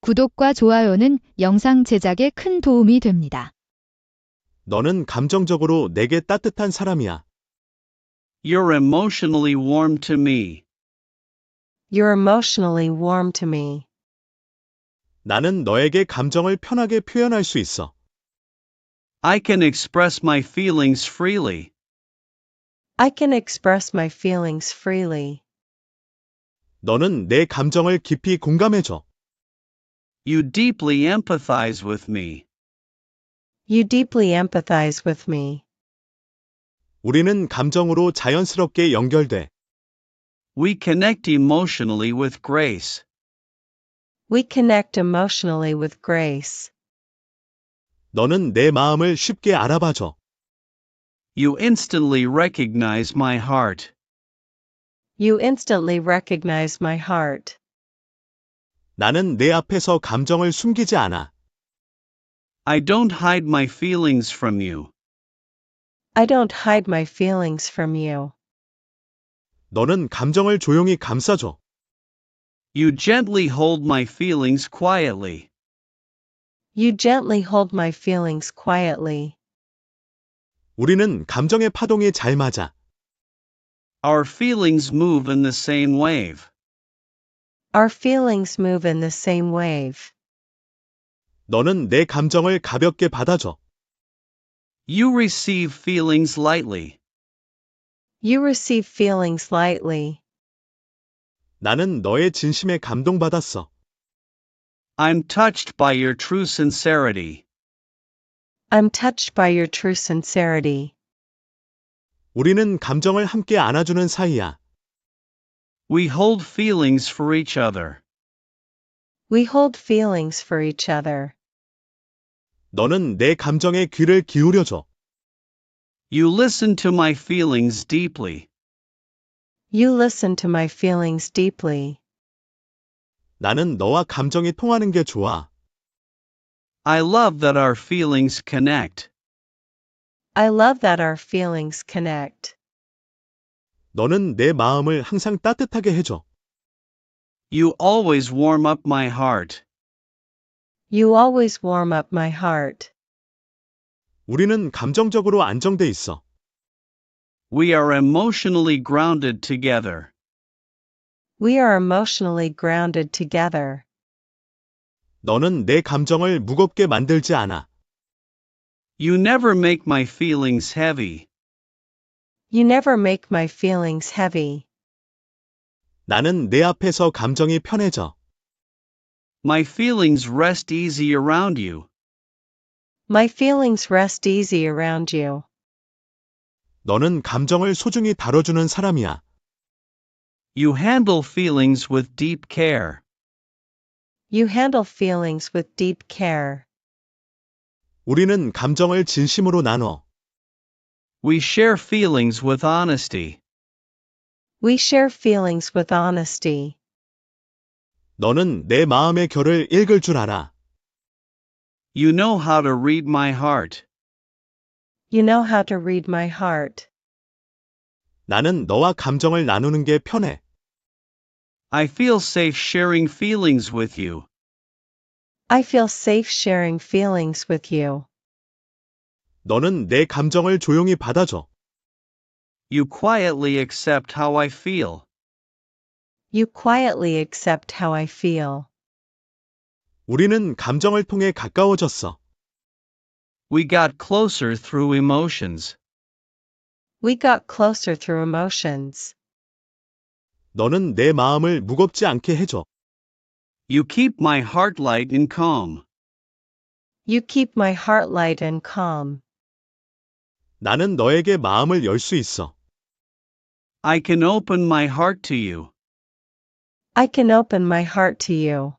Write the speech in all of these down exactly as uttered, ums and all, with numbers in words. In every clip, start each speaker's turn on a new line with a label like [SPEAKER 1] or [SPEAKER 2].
[SPEAKER 1] 구독과 좋아요는 영상 제작에 큰 도움이 됩니다.
[SPEAKER 2] 너는 감정적으로 내게 따뜻한 사람이야.
[SPEAKER 3] You're emotionally warm to me.
[SPEAKER 4] You're emotionally warm to me.
[SPEAKER 2] 나는 너에게 감정을 편하게 표현할 수 있어.
[SPEAKER 3] I can express my feelings freely.
[SPEAKER 4] I can express my feelings freely.
[SPEAKER 2] 너는 내 감정을 깊이 공감해줘.
[SPEAKER 3] You deeply empathize with me.
[SPEAKER 4] You deeply empathize with me.
[SPEAKER 2] 우리는 감정으로 자연스럽게 연결돼.
[SPEAKER 3] We connect emotionally with grace.
[SPEAKER 4] We connect emotionally with grace.
[SPEAKER 2] 너는 내 마음을 쉽게 알아봐줘.
[SPEAKER 3] You instantly recognize my heart.
[SPEAKER 4] You instantly recognize my heart.
[SPEAKER 2] 나는 내 앞에서 감정을 숨기지 않아.
[SPEAKER 3] I don't hide my feelings from you.
[SPEAKER 4] I don't hide my feelings from you.
[SPEAKER 2] 너는 감정을 조용히 감싸줘.
[SPEAKER 3] You gently hold my feelings quietly.
[SPEAKER 4] You gently hold my feelings quietly.
[SPEAKER 2] 우리는 감정의 파동이 잘 맞아.
[SPEAKER 3] Our feelings move in the same wave.
[SPEAKER 4] Our feelings move in the same wave.
[SPEAKER 2] 너는 내 감정을 가볍게 받아줘.
[SPEAKER 3] You receive feelings lightly.
[SPEAKER 4] You receive feelings lightly.
[SPEAKER 2] 나는 너의 진심에 감동받았어.
[SPEAKER 3] I'm touched by your true sincerity.
[SPEAKER 4] I'm touched by your true sincerity.
[SPEAKER 2] 우리는 감정을 함께 안아주는 사이야.
[SPEAKER 3] We hold feelings for each other.
[SPEAKER 4] We hold feelings for each other.
[SPEAKER 2] 너는 내 감정에 귀를 기울여줘.
[SPEAKER 3] You listen to my feelings deeply.
[SPEAKER 4] You listen to my feelings deeply.
[SPEAKER 2] 나는 너와 감정이 통하는 게 좋아.
[SPEAKER 3] I love that our feelings connect.
[SPEAKER 4] I love that our feelings connect.
[SPEAKER 2] 너는 내 마음을 항상 따뜻하게 해줘.
[SPEAKER 3] You always warm up my heart.
[SPEAKER 4] You always warm up my heart.
[SPEAKER 2] 우리는 감정적으로 안정돼 있어.
[SPEAKER 3] We are emotionally grounded together.
[SPEAKER 4] We are emotionally grounded together.
[SPEAKER 2] 너는 내 감정을 무겁게 만들지 않아.
[SPEAKER 3] You never make my feelings heavy.
[SPEAKER 4] You never make my feelings heavy.
[SPEAKER 2] 나는 내 앞에서 감정이 편해져.
[SPEAKER 3] My feelings rest easy around you.
[SPEAKER 4] My feelings rest easy around you.
[SPEAKER 2] 너는 감정을 소중히 다뤄주는 사람이야.
[SPEAKER 3] You handle feelings with deep care.
[SPEAKER 4] You handle feelings with deep care.
[SPEAKER 2] 우리는 감정을 진심으로 나눠.
[SPEAKER 3] We share feelings with honesty.
[SPEAKER 4] We share feelings with honesty.
[SPEAKER 2] 너는 내 마음의 결을 읽을 줄 알아.
[SPEAKER 3] You know how to read my heart.
[SPEAKER 4] You know how to read my heart.
[SPEAKER 2] 나는 너와 감정을 나누는 게 편해.
[SPEAKER 3] I feel safe sharing feelings with you.
[SPEAKER 4] I feel safe sharing feelings with you.
[SPEAKER 2] 너는 내 감정을 조용히 받아줘.
[SPEAKER 3] You quietly accept how I feel.
[SPEAKER 4] You quietly accept how I feel.
[SPEAKER 2] 우리는 감정을 통해 가까워졌어.
[SPEAKER 3] We got closer through emotions.
[SPEAKER 4] We got closer through emotions.
[SPEAKER 2] 너는 내 마음을 무겁지 않게 해줘.
[SPEAKER 3] You keep my heart light and calm.
[SPEAKER 4] You keep my heart light and calm.
[SPEAKER 2] 나는 너에게 마음을 열 수 있어.
[SPEAKER 3] I can open my heart to you.
[SPEAKER 4] I can open my heart to you.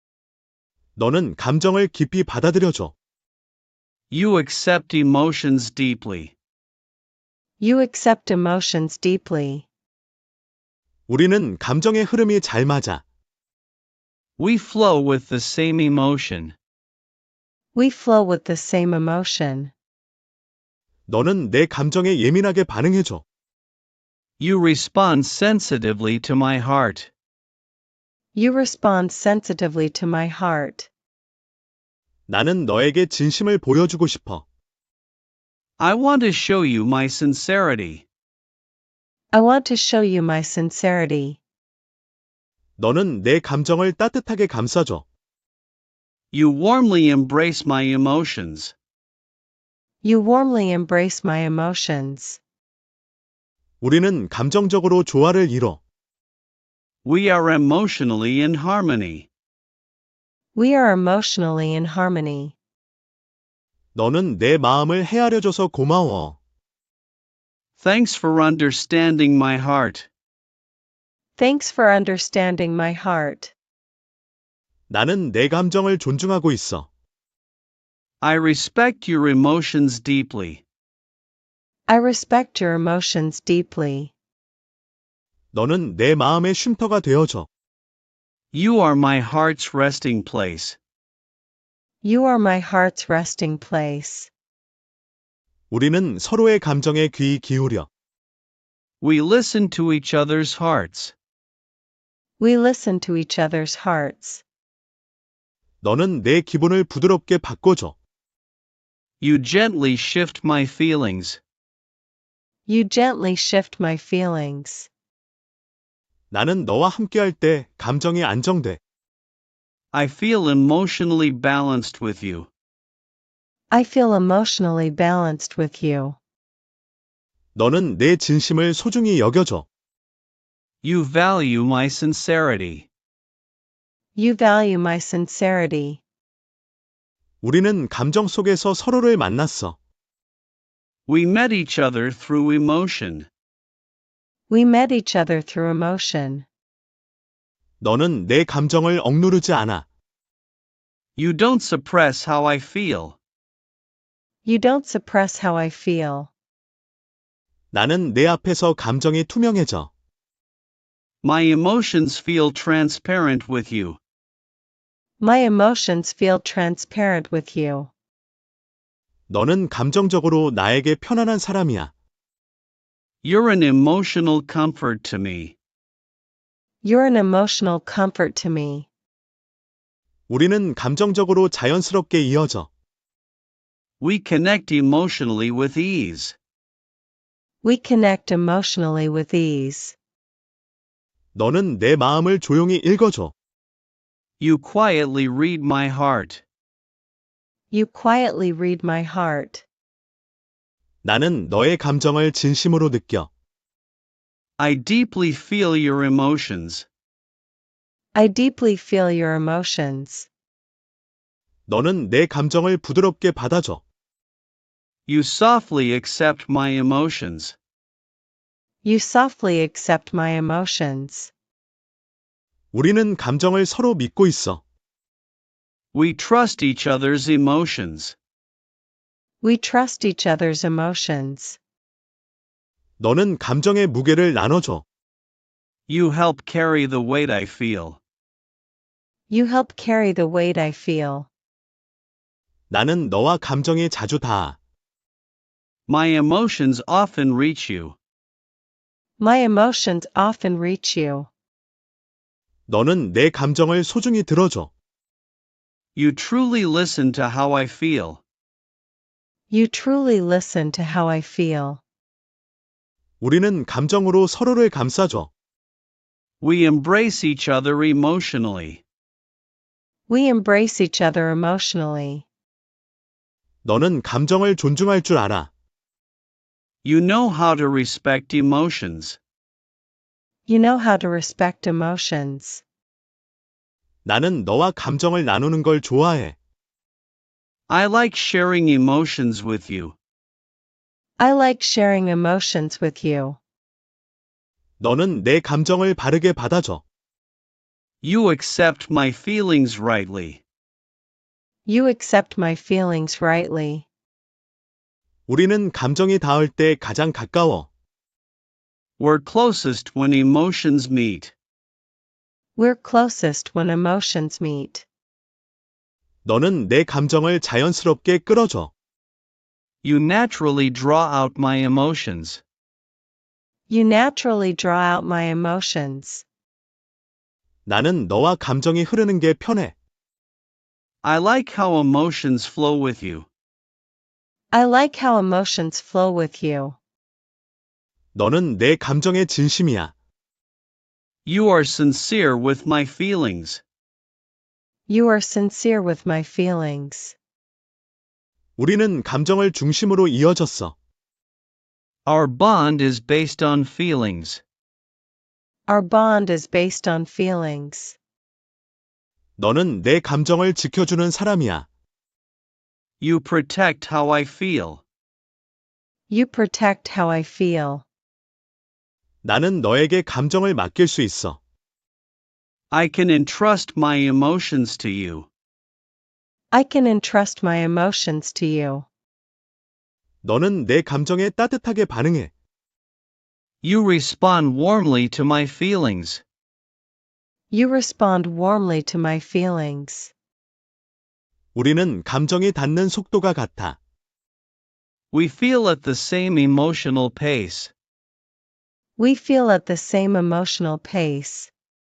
[SPEAKER 2] 너는 감정을 깊이 받아들여줘.
[SPEAKER 3] You accept emotions deeply.
[SPEAKER 4] You accept emotions deeply.
[SPEAKER 2] 우리는 감정의 흐름이 잘 맞아.
[SPEAKER 3] We flow with the same emotion.
[SPEAKER 4] We flow with the same emotion.
[SPEAKER 2] 너는 내 감정에 예민하게 반응해줘.
[SPEAKER 3] You respond sensitively to my heart.
[SPEAKER 4] You respond sensitively to my heart.
[SPEAKER 2] 나는 너에게 진심을 보여주고 싶어.
[SPEAKER 3] I want to show you my sincerity.
[SPEAKER 4] I want to show you my sincerity.
[SPEAKER 2] 너는 내 감정을 따뜻하게 감싸줘.
[SPEAKER 3] You warmly embrace my emotions.
[SPEAKER 4] You warmly embrace my emotions.
[SPEAKER 2] 우리는 감정적으로 조화를 이뤄.
[SPEAKER 3] We are emotionally in harmony.
[SPEAKER 4] We are emotionally in harmony.
[SPEAKER 2] 너는 내 마음을 헤아려줘서 고마워.
[SPEAKER 3] Thanks for understanding my heart.
[SPEAKER 4] Thanks for understanding my heart.
[SPEAKER 2] 나는 내 감정을 존중하고 있어.
[SPEAKER 3] I respect your emotions deeply.
[SPEAKER 4] I respect your emotions deeply.
[SPEAKER 2] 너는 내 마음의 쉼터가 되어줘.
[SPEAKER 3] You are my heart's resting place.
[SPEAKER 4] You are my heart's resting place.
[SPEAKER 2] 우리는 서로의 감정에 귀 기울여.
[SPEAKER 3] We listen to each other's hearts.
[SPEAKER 4] We listen to each other's hearts.
[SPEAKER 2] 너는 내 기분을 부드럽게 바꿔줘.
[SPEAKER 3] You gently shift my feelings.
[SPEAKER 4] You gently shift my feelings.
[SPEAKER 2] 나는 너와 함께할 때 감정이 안정돼.
[SPEAKER 3] I feel emotionally balanced with you.
[SPEAKER 4] I feel emotionally balanced with you.
[SPEAKER 2] 너는 내 진심을 소중히 여겨줘.
[SPEAKER 3] You value my sincerity.
[SPEAKER 4] You value my sincerity.
[SPEAKER 2] 우리는 감정 속에서 서로를 만났어.
[SPEAKER 3] We met each other through emotion.
[SPEAKER 4] We met each other through emotion.
[SPEAKER 2] 너는 내 감정을 억누르지 않아.
[SPEAKER 3] You don't suppress how I feel.
[SPEAKER 4] You don't suppress how I feel.
[SPEAKER 2] 나는 내 앞에서 감정이 투명해져.
[SPEAKER 3] My emotions feel transparent with you.
[SPEAKER 4] My emotions feel transparent with you.
[SPEAKER 2] 너는 감정적으로 나에게 편안한 사람이야.
[SPEAKER 3] You're an emotional comfort to me.
[SPEAKER 4] You're an emotional comfort to me.
[SPEAKER 2] 우리는 감정적으로 자연스럽게 이어져.
[SPEAKER 3] We connect emotionally with ease.
[SPEAKER 4] We connect emotionally with ease.
[SPEAKER 2] 너는 내 마음을 조용히 읽어줘.
[SPEAKER 3] You quietly read my heart.
[SPEAKER 4] You quietly read my heart.
[SPEAKER 2] 나는 너의 감정을 진심으로 느껴.
[SPEAKER 3] I deeply feel your emotions.
[SPEAKER 4] I deeply feel your emotions.
[SPEAKER 2] 너는 내 감정을 부드럽게 받아줘.
[SPEAKER 3] You softly accept my emotions.
[SPEAKER 4] You softly accept my emotions.
[SPEAKER 2] 우리는 감정을 서로 믿고 있어.
[SPEAKER 3] We trust each other's emotions.
[SPEAKER 4] We trust each other's emotions.
[SPEAKER 2] 너는 감정의 무게를 나눠줘.
[SPEAKER 3] You help carry the weight I feel.
[SPEAKER 4] You help carry the weight I feel.
[SPEAKER 2] 나는 너와 감정이 자주 닿아.
[SPEAKER 3] My emotions often reach you.
[SPEAKER 4] My emotions often reach you.
[SPEAKER 2] 너는 내 감정을 소중히 들어줘.
[SPEAKER 3] You truly listen to how I feel.
[SPEAKER 4] You truly listen to how I feel.
[SPEAKER 2] 우리는 감정으로 서로를 감싸줘.
[SPEAKER 3] We embrace each other emotionally.
[SPEAKER 4] We embrace each other emotionally.
[SPEAKER 2] 너는 감정을 존중할 줄 알아.
[SPEAKER 3] You know how to respect emotions.
[SPEAKER 4] You know how to respect emotions.
[SPEAKER 2] 나는 너와 감정을 나누는 걸 좋아해.
[SPEAKER 3] I like sharing emotions with you.
[SPEAKER 4] I like sharing emotions with you.
[SPEAKER 2] 너는 내 감정을 바르게 받아줘.
[SPEAKER 3] You accept my feelings rightly.
[SPEAKER 4] You accept my feelings rightly.
[SPEAKER 2] 우리는 감정이 닿을 때 가장 가까워.
[SPEAKER 3] We're closest when emotions meet.
[SPEAKER 4] We're closest when emotions meet.
[SPEAKER 2] 너는 내 감정을 자연스럽게 끌어줘.
[SPEAKER 3] You naturally draw out my emotions.
[SPEAKER 4] You naturally draw out my emotions.
[SPEAKER 2] 나는 너와 감정이 흐르는 게 편해.
[SPEAKER 3] I like how emotions flow with you.
[SPEAKER 4] I like how emotions flow with you.
[SPEAKER 2] 너는 내 감정의 진심이야.
[SPEAKER 3] You are sincere with my feelings.
[SPEAKER 4] You are sincere with my feelings.
[SPEAKER 2] 우리는 감정을 중심으로 이어졌어.
[SPEAKER 3] Our bond is based on feelings.
[SPEAKER 4] Our bond is based on feelings.
[SPEAKER 2] 너는 내 감정을 지켜주는 사람이야.
[SPEAKER 3] You protect how I feel.
[SPEAKER 4] You protect how I feel.
[SPEAKER 2] 나는 너에게 감정을 맡길 수 있어.
[SPEAKER 3] I can entrust my emotions to you.
[SPEAKER 4] I can entrust my emotions to you.
[SPEAKER 2] 너는 내 감정에 따뜻하게 반응해.
[SPEAKER 3] You respond warmly to my feelings.
[SPEAKER 4] You respond warmly to my feelings.
[SPEAKER 2] 우리는 감정이 닿는 속도가 같아.
[SPEAKER 3] We feel at the same emotional pace.
[SPEAKER 4] We feel at the same emotional pace.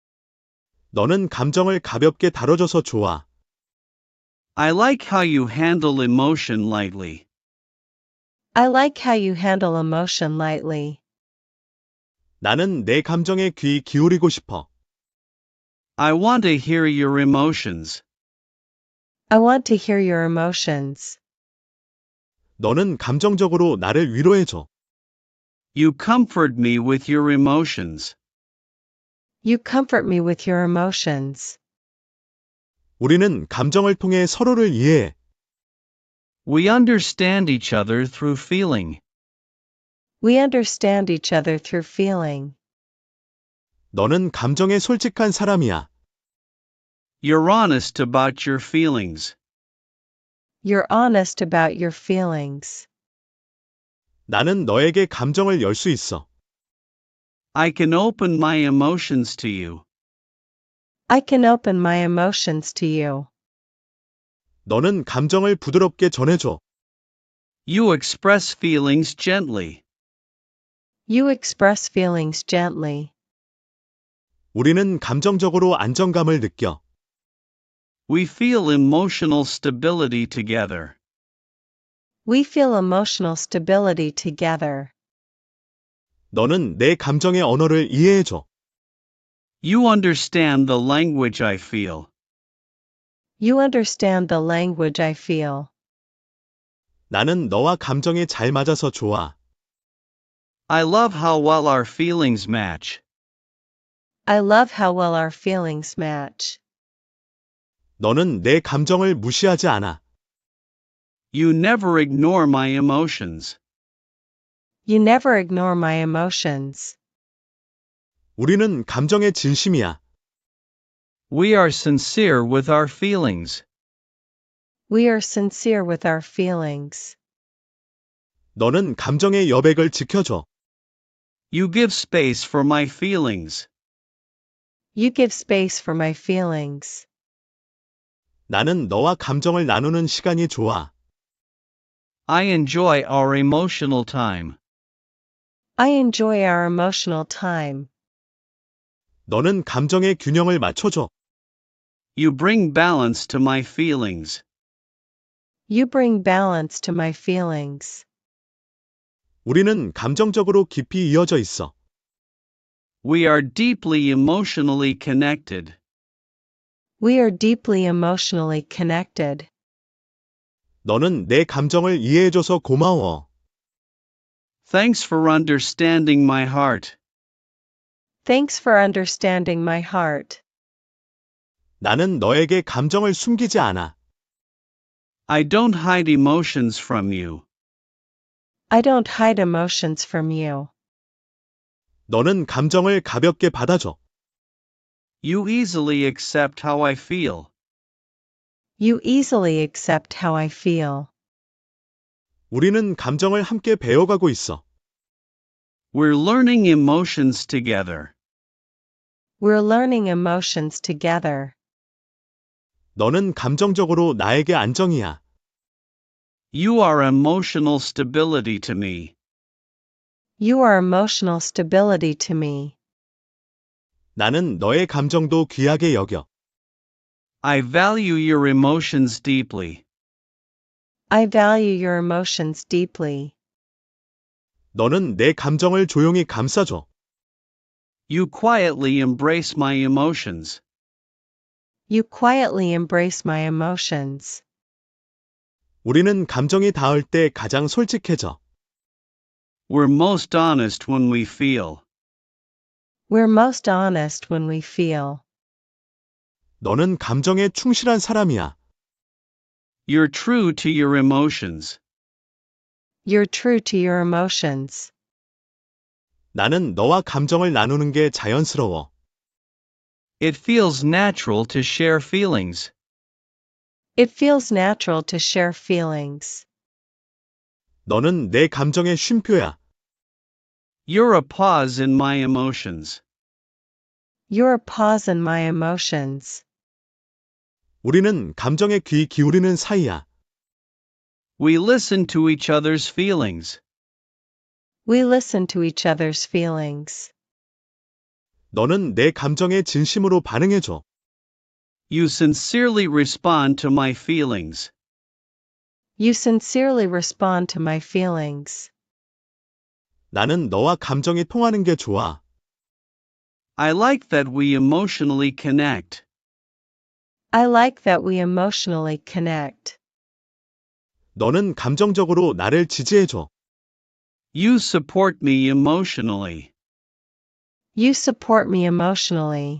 [SPEAKER 2] 너는 감정을 가볍게 다뤄줘서 좋아.
[SPEAKER 3] I like how you handle emotion lightly.
[SPEAKER 4] I like how you handle emotion lightly.
[SPEAKER 2] 나는 내 감정에 귀 기울이고 싶어.
[SPEAKER 3] I want to hear your emotions.
[SPEAKER 4] I want to hear your emotions.
[SPEAKER 2] 너는 감정적으로 나를 위로해줘.
[SPEAKER 3] You comfort me with your emotions.
[SPEAKER 4] You comfort me with your emotions.
[SPEAKER 2] 우리는 감정을 통해 서로를 이해해.
[SPEAKER 3] We understand each other through feeling.
[SPEAKER 4] We understand each other through feeling.
[SPEAKER 2] 너는 감정에 솔직한 사람이야.
[SPEAKER 3] You're honest about your feelings.
[SPEAKER 4] You're honest about your feelings.
[SPEAKER 2] 나는 너에게 감정을 열 수 있어.
[SPEAKER 3] I can open my emotions to you.
[SPEAKER 4] I can open my emotions to you.
[SPEAKER 2] 너는 감정을 부드럽게 전해줘.
[SPEAKER 3] You express feelings gently.
[SPEAKER 4] You express feelings gently.
[SPEAKER 2] 우리는 감정적으로 안정감을 느껴.
[SPEAKER 3] We feel emotional stability together.
[SPEAKER 4] We feel emotional stability together.
[SPEAKER 2] 너는 내 감정의 언어를 이해해줘.
[SPEAKER 3] You understand the language I feel.
[SPEAKER 4] You understand the language I feel.
[SPEAKER 2] 나는 너와 감정이 잘 맞아서 좋아.
[SPEAKER 3] I love how well our feelings match.
[SPEAKER 4] I love how well our feelings match.
[SPEAKER 2] 너는 내 감정을 무시하지 않아.
[SPEAKER 3] You never ignore my emotions.
[SPEAKER 4] You never ignore my emotions.
[SPEAKER 2] 우리는 감정의 진심이야.
[SPEAKER 3] We are sincere with our feelings.
[SPEAKER 4] We are sincere with our feelings.
[SPEAKER 2] 너는 감정의 여백을 지켜줘.
[SPEAKER 3] You give space for my feelings.
[SPEAKER 4] You give space for my feelings.
[SPEAKER 2] 나는 너와 감정을 나누는 시간이 좋아.
[SPEAKER 3] I enjoy our emotional time.
[SPEAKER 4] I enjoy our emotional time.
[SPEAKER 2] 너는 감정의 균형을 맞춰줘.
[SPEAKER 3] You bring balance to my feelings.
[SPEAKER 4] You bring balance to my feelings.
[SPEAKER 2] 우리는 감정적으로 깊이 이어져 있어.
[SPEAKER 3] We are deeply emotionally connected.
[SPEAKER 4] We are deeply emotionally connected.
[SPEAKER 2] 너는 내 감정을 이해해줘서 고마워.
[SPEAKER 3] Thanks for understanding my heart.
[SPEAKER 4] Thanks for understanding my heart.
[SPEAKER 2] 나는 너에게 감정을 숨기지 않아.
[SPEAKER 3] I don't hide emotions from you.
[SPEAKER 4] I don't hide emotions from you.
[SPEAKER 2] 너는 감정을 가볍게 받아줘.
[SPEAKER 3] You easily accept how I feel.
[SPEAKER 4] You easily accept how I feel.
[SPEAKER 2] 우리는 감정을 함께 배워가고 있어.
[SPEAKER 3] We're learning emotions together.
[SPEAKER 4] We're learning emotions together.
[SPEAKER 2] 너는 감정적으로 나에게 안정이야.
[SPEAKER 3] You are emotional stability to me.
[SPEAKER 4] You are emotional stability to me.
[SPEAKER 2] 나는 너의 감정도 귀하게 여겨.
[SPEAKER 3] I value your emotions deeply.
[SPEAKER 4] I value your emotions deeply.
[SPEAKER 2] 너는 내 감정을 조용히 감싸줘.
[SPEAKER 3] You quietly embrace my emotions.
[SPEAKER 4] You quietly embrace my emotions.
[SPEAKER 2] 우리는 감정이 닿을 때 가장 솔직해져.
[SPEAKER 3] We're most honest when we feel.
[SPEAKER 4] We're most honest when we feel.
[SPEAKER 2] 너는 감정에 충실한 사람이야.
[SPEAKER 3] You're true to your emotions.
[SPEAKER 4] You're true to your emotions.
[SPEAKER 2] 나는 너와 감정을 나누는 게 자연스러워.
[SPEAKER 3] It feels natural to share feelings.
[SPEAKER 4] It feels natural to share feelings.
[SPEAKER 2] 너는 내 감정의 쉼표야.
[SPEAKER 3] You're a pause in my emotions.
[SPEAKER 4] You're a pause in my emotions.
[SPEAKER 2] 우리는 감정에 귀 기울이는 사이야.
[SPEAKER 3] We listen to each other's feelings.
[SPEAKER 4] We listen to each other's feelings.
[SPEAKER 2] 너는 내 감정에 진심으로 반응해줘.
[SPEAKER 3] You sincerely respond to my feelings.
[SPEAKER 4] You sincerely respond to my feelings.
[SPEAKER 2] 나는 너와 감정이 통하는 게 좋아.
[SPEAKER 3] I like that we emotionally connect.
[SPEAKER 4] I like that we emotionally connect.
[SPEAKER 2] 너는 감정적으로 나를 지지해줘.
[SPEAKER 3] You support me emotionally.
[SPEAKER 4] You support me emotionally.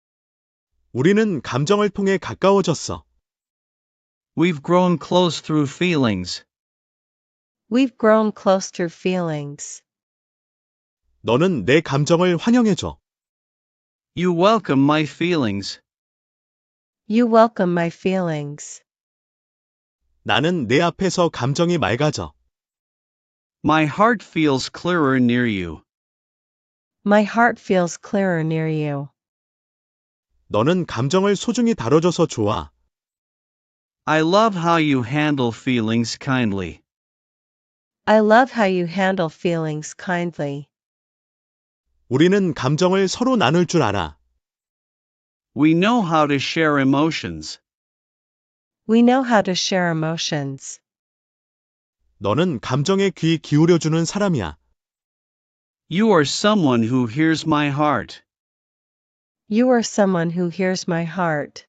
[SPEAKER 2] 우리는 감정을 통해 가까워졌어.
[SPEAKER 3] We've grown close through feelings.
[SPEAKER 4] We've grown close through feelings.
[SPEAKER 2] 너는 내 감정을 환영해줘.
[SPEAKER 3] You welcome my feelings.
[SPEAKER 4] You welcome my feelings.
[SPEAKER 2] 나는 내 앞에서 감정이 맑아져.
[SPEAKER 3] My heart feels clearer near you.
[SPEAKER 4] My heart feels clearer near you.
[SPEAKER 2] 너는 감정을 소중히 다뤄줘서 좋아.
[SPEAKER 3] I love how you handle feelings kindly.
[SPEAKER 4] I love how you handle feelings kindly.
[SPEAKER 2] 우리는 감정을 서로 나눌 줄 알아.
[SPEAKER 3] We know how to share emotions.
[SPEAKER 4] We know how to share emotions.
[SPEAKER 2] 너는 감정에 귀 기울여주는 사람이야.
[SPEAKER 3] You are someone who hears my heart.
[SPEAKER 4] You are someone who hears my heart.